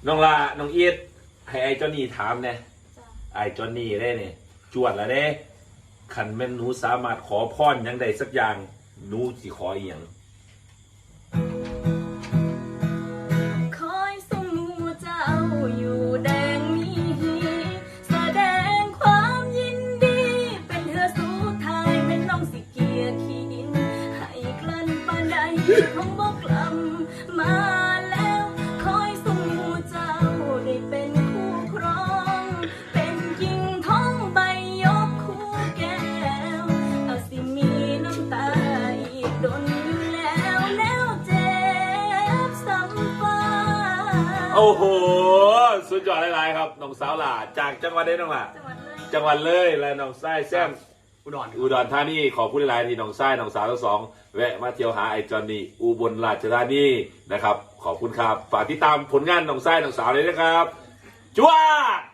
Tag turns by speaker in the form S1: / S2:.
S1: น้องลาน้องอีทให้ไอ้จอนนี่ถามเนี่ยไอ้จอนนี่ได้เนี่ยจวดแล้วเด้ขันแม่นหนูสามารถขอพรยังใดสักอย่างหนูสิขออีหยัง
S2: คอยสมูเจ้าอยู่แดงมีแสดงความยินดีเป็นเธอสุดท้ายเป็นน้องสิเกียร์ขีดินให้กลั้นปานใดคงบอกกลับมาแล้วคอยสมูเจ้าได้เป็นคู่ครองเป็นหญิงท้องใบยกคู่แก้วเอาสิมีน้ำตาอีกดนอยู่แล้วแล้วเจ็บซ้ำฟ้า
S1: โอ้โหสุดยอดหลายๆครับน้องสาวหล่าจากจังหวัดได้น้องหล่าจังหวัดเลยและน้องไส้แซมอุดรธานีขอพูดหลายๆที่น้องไส้น้องสาวทั้งสองแวะมาเที่ยวหาไอ้จอนนี่อุบลราชธานีนะครับขอบคุณครับฝากติดตามผลงานน้องไส้น้องสาวเลยนะครับจวด